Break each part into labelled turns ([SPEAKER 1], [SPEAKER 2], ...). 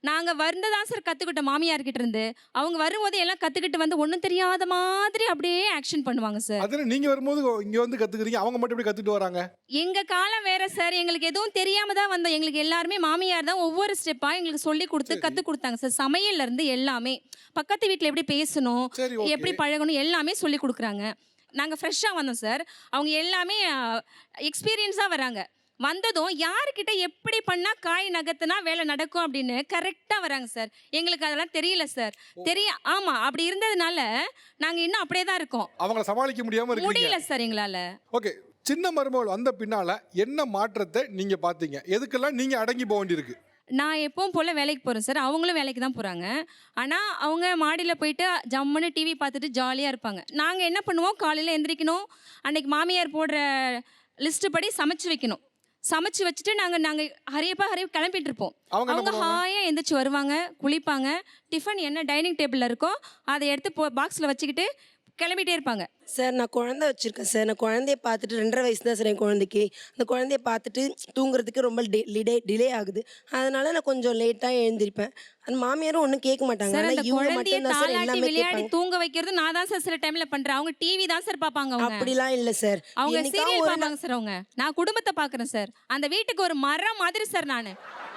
[SPEAKER 1] நாங்க தான் சார் கத்துக்கிட்டோம் மாமியார்கிட்ட இருந்து. அவங்க வரும்போது எல்லாம் கத்துக்கிட்டு வந்து ஒண்ணும் தெரியாத மாதிரி அப்படியே ஆக்ஷன் பண்ணுவாங்க சார்.
[SPEAKER 2] அதுல நீங்க வரும்போது இங்க வந்து கத்துக்கிறீங்க, அவங்க மட்டும் எப்படி கத்துட்டு வராங்க?
[SPEAKER 1] எங்க காலம் வேற சார். எங்களுக்கு எதுவும் தெரியாம தான் வந்தோம். எங்களுக்கு எல்லாருமே மாமியார் தான் ஒவ்வொரு ஸ்டெப்பா எங்களுக்கு சொல்லிக் குடுத்து கத்துக் குடுத்தாங்க சார். சமையல்ல இருந்து எல்லாமே. பக்கத்து வீட்ல எப்படி பேசணும்,
[SPEAKER 2] சரி, ஓகே.
[SPEAKER 1] எப்படி பழகணும் எல்லாமே சொல்லிக் குடுக்குறாங்க. நாங்க ஃப்ரெஷ்ஷா வந்தோம் சார். அவங்க எல்லாமே எக்ஸ்பீரியன்ஸா வராங்க. வந்ததும் யாருக்கிட்ட எப்படி பண்ணா காய் நகர்த்துனா வேலை நடக்கும் அப்படின்னு கரெக்டா வராங்க சார். எங்களுக்கு அதெல்லாம் தெரியல சார். ஆமா அப்படி இருந்ததுனால நாங்க இன்னும் அப்படியே தான் இருக்கோம்.
[SPEAKER 2] அவங்கள சமாளிக்க முடியாம இருக்கீங்க.
[SPEAKER 1] முடியல சார் எங்களால.
[SPEAKER 2] ஓகே. சின்ன மருமகள் வந்த பின்னால என்ன மாற்றத்தை நீங்க பாத்தீங்க? எதுக்கெல்லாம் நீங்க அடங்கி போக வேண்டியிருக்கு?
[SPEAKER 1] நான் எப்பவும் போல வேலைக்கு போறேன் சார். அவங்களும் வேலைக்கு தான் போறாங்க. ஆனா அவங்க மாடியில போயிட்டு ஜம்முன்னு டிவி பார்த்துட்டு ஜாலியா இருப்பாங்க. நாங்க என்ன பண்ணுவோம், காலையில எந்திரிக்கணும். அன்னைக்கு மாமியார் போடுற லிஸ்ட் படி சமைச்சு வைக்கணும். சமைச்சு வச்சுட்டு நாங்க ஹரியப்பா கிளம்பிட்டு இருப்போம். அவங்க ஹாயா எந்திரிச்சு வருவாங்க, குளிப்பாங்க. டிஃபன் என்ன டைனிங் டேபிள்ல இருக்கோ அதை எடுத்து பாக்ஸ்ல வச்சுக்கிட்டு கிளம்பிட்டே இருப்பாங்க.
[SPEAKER 3] சார் நான் குழந்தை வச்சுருக்கேன் சார். நான் குழந்தைய பார்த்துட்டு 2.5 வயசு தான் சார் என் குழந்தைக்கு. அந்த குழந்தைய பார்த்துட்டு தூங்குறதுக்கு ரொம்ப டிலே ஆகுது. அதனால நான் கொஞ்சம் லேட்டாக எழுந்திருப்பேன். அந்த மாமியாரும் ஒன்றும் கேட்க மாட்டாங்க.
[SPEAKER 1] சார் அந்த
[SPEAKER 3] ஆனால் இவங்க
[SPEAKER 1] குழந்தைய
[SPEAKER 3] மட்டும் தான் சார்
[SPEAKER 1] தாலாட்டி
[SPEAKER 3] எல்லாமே
[SPEAKER 1] விளையாடி
[SPEAKER 3] கேட்பாங்க.
[SPEAKER 1] தூங்க வைக்கிறது நான் தான் சார் சில டைம்ல பண்றேன். அவங்க டிவி தான் சார் பார்ப்பாங்க. அவங்க
[SPEAKER 3] அப்படிலாம் இல்லை சார்.
[SPEAKER 1] அவங்க
[SPEAKER 3] என்னைக்காவது
[SPEAKER 1] சீரியல்
[SPEAKER 3] ஒரு
[SPEAKER 1] பார்ப்பாங்க சார். அவங்க நான் குடும்பத்தை பார்க்குறேன் சார். அந்த வீட்டுக்கு ஒரு மரம் மாதிரி சார் நானு.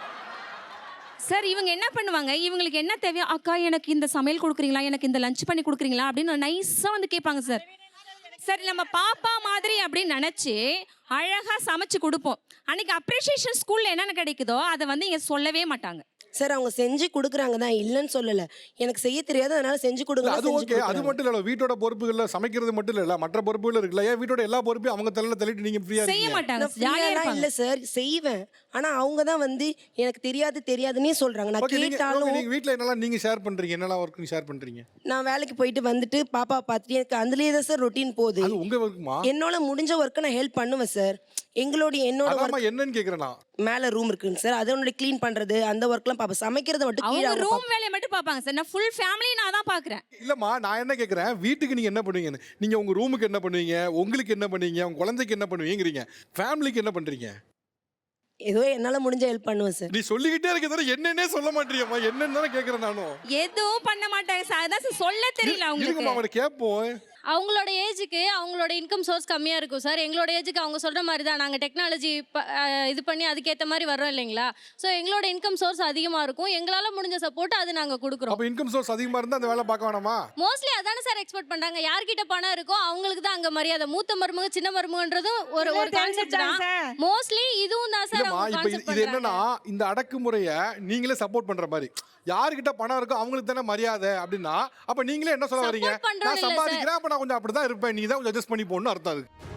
[SPEAKER 1] சார் இவங்க என்ன பண்ணுவாங்க, இவங்களுக்கு என்ன தேவையோ, அக்கா எனக்கு இந்த சமையல் கொடுக்குறீங்களா, எனக்கு இந்த லஞ்ச் பண்ணி கொடுக்குறீங்களா அப்படின்னு நைஸாக வந்து கேட்பாங்க சார். சரி நம்ம பாப்பா மாதிரி அப்படின்னு நினச்சி அழகாக சமைச்சு கொடுப்போம். அன்னைக்கு அப்ரிஷியேஷன் ஸ்கூலில் என்னென்ன கிடைக்குதோ அதை வந்து இங்கே சொல்லவே மாட்டாங்க
[SPEAKER 3] சார். அவங்க செஞ்சு கொடுக்குறாங்க தான், இல்லைன்னு சொல்லலை. எனக்கு செய்ய தெரியாது, அதனால செஞ்சு கொடுங்க.
[SPEAKER 2] அது ஓகே. அது மட்டும் இல்ல, வீட்டோட பொறுப்புகள்ல சமைக்கிறது மட்டும் இல்ல, மற்ற பொறுப்புகள் இருக்குல்ல. ஏன் வீட்டோட எல்லா பொறுப்பையும் அவங்க தலையில தள்ளிட்டு நீங்க ஃப்ரீயா
[SPEAKER 1] செய்ய
[SPEAKER 2] இருக்கீங்க?
[SPEAKER 1] மாட்டாங்க. ஜாலியா இருப்பாங்க.
[SPEAKER 3] இல்லை சார், செய்வேன். ஆனால் அவங்க தான் வந்து எனக்கு தெரியாதுன்னே சொல்கிறாங்க. நான் கேட்டாலும்
[SPEAKER 2] நீங்க வீட்ல என்னெல்லாம் நீங்க ஷேர் பண்றீங்க? என்னெல்லாம் ஒர்க் நீங்க ஷேர் பண்றீங்க?
[SPEAKER 3] நான் வேலைக்கு போயிட்டு வந்துட்டு பாப்பா பார்த்துட்டு எனக்கு அதுலேயே தான் சார் ரொட்டீன் போகுது.
[SPEAKER 2] அது உங்க ஒர்க்குமா?
[SPEAKER 3] என்னோட முடிஞ்ச ஒர்க்கை நான் ஹெல்ப் பண்ணுவேன் சார். என்னோட
[SPEAKER 2] அதாம்மா என்னன்னு கேக்குறேன் நான்.
[SPEAKER 3] மேல ரூம் இருக்குங்க சார், அதனோட க்ளீன் பண்றது அந்த ஒர்க்லாம் பாப்பேன். சமைக்கிறது மட்டும் கீழ
[SPEAKER 1] அவங்க ரூம் வேலையை மட்டும் பார்ப்பாங்க சார். நான் ஃபுல் ஃபேமிலி நான் தான் பார்க்குறேன்.
[SPEAKER 2] இல்லம்மா, நான் என்ன கேக்குறேன், வீட்டுக்கு நீங்க என்ன பண்ணுவீங்க? நீங்க உங்க ரூமுக்கு என்ன பண்ணுவீங்க, உங்களுக்கு என்ன பண்ணுவீங்க, உங்க குழந்தைக்கு என்ன பண்ணுவீங்கறீங்க, ஃபேமிலிக்கு என்ன பண்றீங்க?
[SPEAKER 3] ஏதோ என்னால முடிஞ்ச ஹெல்ப் பண்ணுவேன் சார்.
[SPEAKER 2] நீ சொல்லிக்கிட்டே இருக்க தவிர என்னன்னே சொல்ல மாட்டீங்கம்மா. என்னன்னு தானே கேக்குறேன் நானும்.
[SPEAKER 1] எதுவும் பண்ண மாட்டாங்க சார். அதான் சார் சொல்ல தெரியல அவங்களுக்கு.
[SPEAKER 2] இருக்குமா, அவனை கேட்போம்.
[SPEAKER 4] அவங்களோட ஏஜுக்கு அவங்களோட இன்கம் சோர்ஸ் கம்மியாக இருக்கும் சார். எங்களோட ஏஜுக்கு அவங்க சொல்கிற மாதிரி தான் நாங்கள் டெக்னாலஜி இது பண்ணி அதுக்கேற்ற மாதிரி வரோம் இல்லைங்களா. ஸோ எங்களோட இன்கம் சோர்ஸ் அதிகமாக இருக்கும். எங்களால் முடிஞ்ச சப்போர்ட் அது நாங்கள் கொடுக்குறோம்.
[SPEAKER 2] அப்போ இன்கம் சோர்ஸ் அதிகமாக இருந்தால் அந்த வேலை பார்க்க வேணாமா?
[SPEAKER 4] மோஸ்ட்லி அதானே சார் எக்ஸ்பெக்ட் பண்ணுறாங்க. யார்கிட்ட பணம் இருக்கோ அவங்களுக்கு தான் அங்கே மரியாதை. மூத்த மருமக சின்ன மருமகன்றதும் ஒரு கான்செப்ட் தான். மோஸ்ட்லி இதுவும் தான் சார்.
[SPEAKER 2] இப்போ இது என்னன்னா, இந்த அடக்குமுறையை நீங்களே சப்போர்ட் பண்ற மாதிரி, யார்கிட்ட பணம் இருக்கோ அவங்களுக்கு தானே மரியாதை அப்படின்னா, அப்ப நீங்களே என்ன சொல்ல வரீங்க? நான் சம்பாதிக்கிறேன், அப்ப நான் கொஞ்சம் அப்படிதான் இருப்பேன், நீ தான் கொஞ்சம் அட்ஜஸ்ட் பண்ணி போடணும்னு அர்த்தம். அதுக்கு